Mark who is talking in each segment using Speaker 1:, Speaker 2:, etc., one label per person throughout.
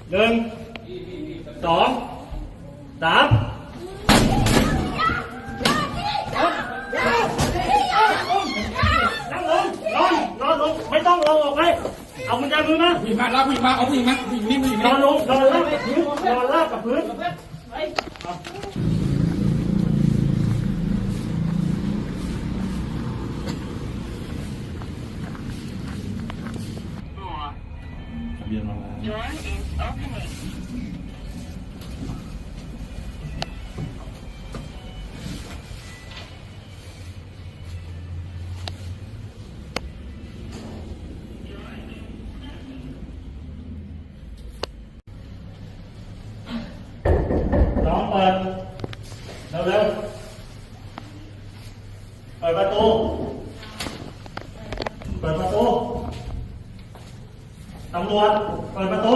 Speaker 1: หนึ่งสองสามนั่งลงนอนลงไม่ต้องลงออกไปเอากุญแจมือมา
Speaker 2: ผู้หญิงมาแล้วผู้หญิงมาเอาผู้หญิงมาผู้หญิงนี่ผู้หญิง
Speaker 1: นอนลงนอนลาบกับพื้นนอนลาบกับพื้นเบียนมาน้องเปิดเร็วเปิดประตูตำรวจเปิดประตู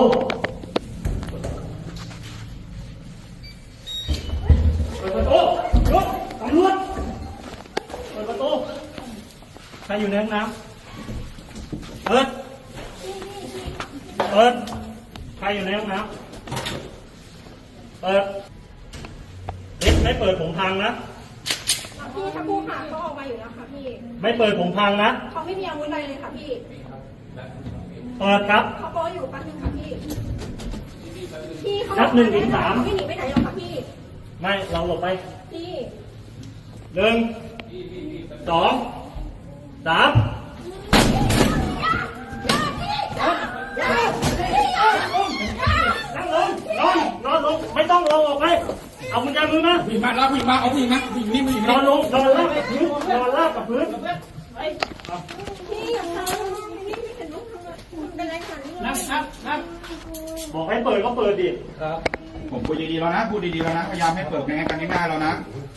Speaker 1: ลุกตำรวจเปิดประตูใครอยู่ในห้องน้ำเปิดใครอยู่ในห้องน้ำเปิดไม่เปิดผมพังนะ
Speaker 3: พี่ถ้าผู้หาเขาออกมาอยู่แล้วค่ะพี่
Speaker 1: ไม่เปิดผมพังนะ
Speaker 3: เขาไม่มีอาวุธอะไรเลยค่ะพี่
Speaker 1: เปิดครับ
Speaker 3: เขาโป๊อยู่แป๊บนึงค่ะพี่เขา
Speaker 1: นับ1 ถึง 3
Speaker 3: ไม่หนีไปไหนหรอกค่ะพี่
Speaker 1: ไม่เราหลบไป
Speaker 3: พี่
Speaker 1: 1 2 3นั่งลงนอนลงไม่ต้องลงออกไปเอากุญแจมือมา
Speaker 2: ผู้หญิงมาแล้วผู้หญิงมาเอาผู้หญิงมาผู้หญิงนี่ผู้หญิง
Speaker 1: นอนลงนอนลาบกับพื้น
Speaker 3: พี่อย่าทำนี่ไม่เห็นลูกทำเป็นไรค่ะนี่
Speaker 2: นั่ง
Speaker 1: บอกให้เปิดก็เปิดดิ
Speaker 2: ครับผมพูดดีๆแล้วนะพูดดีๆแล้วนะพยายามให้เปิดในกันที่หน้าเรานะ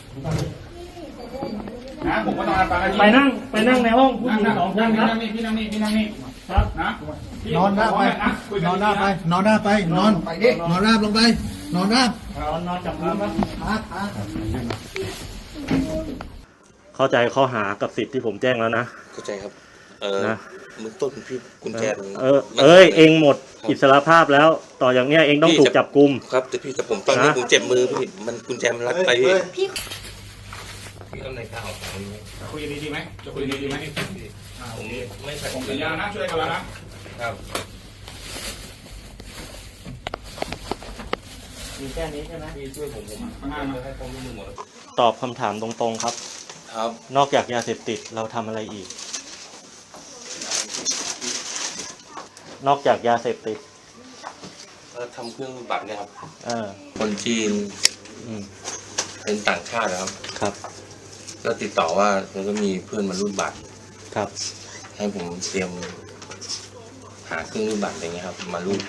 Speaker 2: ผมก็ต้อง
Speaker 1: ไปนั่งในห้องผู้หญิง2 คนครับ
Speaker 2: พี่นั่งนี่
Speaker 1: ครับ
Speaker 2: นะ
Speaker 4: นอนหน้าไปนอนราบลงไปนอนราบ
Speaker 1: นอนจับพื้นครับ
Speaker 4: เข้าใจข้อหากับสิทธิ์ที่ผมแจ้งแล้วนะ
Speaker 5: เข้าใจครับนะมึงต้นพี่กุญแจ
Speaker 4: เองหมดอิสรภาพแล้วต่ออย่างเนี้ยเองต้องถูกจับกุม
Speaker 5: ครับแต่ผมตอนนี้ผมเจ็บมือพี่มันกุญแจมันรัดไปพี่เอาในข้าว
Speaker 2: คุยดีๆไหมจะคุยดีๆไหม
Speaker 5: ผมไม่ใส่
Speaker 2: ผมสัญญานะช่วยกันแล้วนะครับ
Speaker 1: มีแค่นี้ใช่ไหม
Speaker 5: พี่ช่วยผมให้ความร่วมมือหมด
Speaker 4: ตอบคำถามตรงๆครับนอกจากยาเสพติดเราทำอะไรอีกนอกจากยาเสพติด
Speaker 5: ทำเครื่องบัตรเนี่ยครับคนจีนเป็นต่างชาติครับก็ติดต่อว่ามันก็มีเพื่อนมารูดบัตร
Speaker 4: ครับ
Speaker 5: ให้ผมเตรียมหาเครื่องรูดบัตรอะไรเงี้ยครับมารูด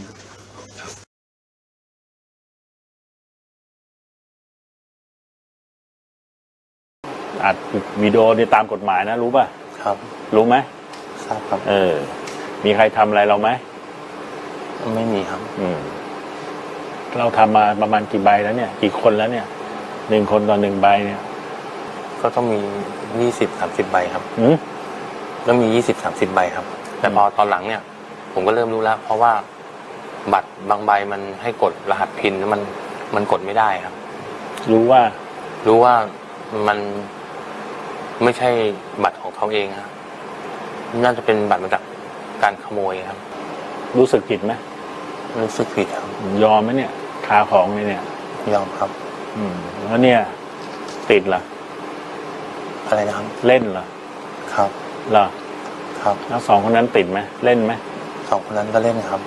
Speaker 6: อัดวิดีโอในตามกฎหมายนะรู้ป่ะ
Speaker 5: ครับ
Speaker 6: รู้ไหม
Speaker 5: ครับ
Speaker 6: มีใครทำอะไรเราไหม
Speaker 5: ไม่มีครับ
Speaker 6: เราทำมาประมาณกี่ใบแล้วเนี่ยกี่คนแล้วเนี่ย1 คนต่อ1 ใบเนี่ย
Speaker 5: ก็ต้องมี20-30 ใบครับก็มี20-30 ใบครับแต่พอตอนหลังเนี่ยผมก็เริ่มรู้แล้วเพราะว่าบัตรบางใบมันให้กดรหัสพินแล้วมันกดไม่ได้ครับ
Speaker 6: รู้ว่า
Speaker 5: มันไม่ใช่บัตรของเขาเองครับน่าจะเป็นบัตรมาจากการขโมยครับ
Speaker 6: รู้สึกผิดไหม
Speaker 5: รู้สึกผิดครับ
Speaker 6: ยอมไหมเนี่ยคาของเลยเนี่ย
Speaker 5: ยอมครับ
Speaker 6: แล้วเนี่ยติดเหรอ
Speaker 5: อะไรนะครับ
Speaker 6: เล่นเหรอ
Speaker 5: ครับ
Speaker 6: เหรอ
Speaker 5: ครับ
Speaker 6: แล้ว2 คนนั้นติดไหมเล่นไหม
Speaker 5: 2 คนนั้นก็เล่นครับ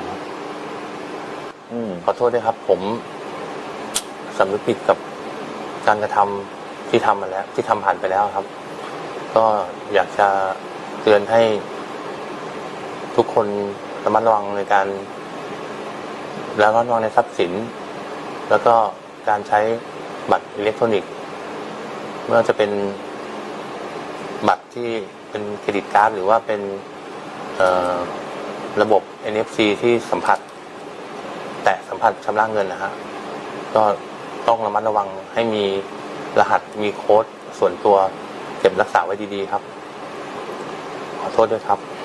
Speaker 5: ขอโทษด้วยครับผมสำนึกผิดกับการกระทำที่ทำมาแล้วที่ทำผ่านไปแล้วครับก็อยากจะเตือนให้ทุกคนระมัดระวังในการระมัดระวังในทรัพย์สินแล้วก็การใช้บัตรอิเล็กทรอนิกส์ไม่ว่าจะเป็นบัตรที่เป็นเครดิตการ์ดหรือว่าเป็นระบบ NFC ที่สัมผัสชำระเงินนะฮะก็ต้องระมัดระวังให้มีรหัสมีโค้ดส่วนตัวเก็บรักษาไว้ดีๆครับขอโทษด้วยครับ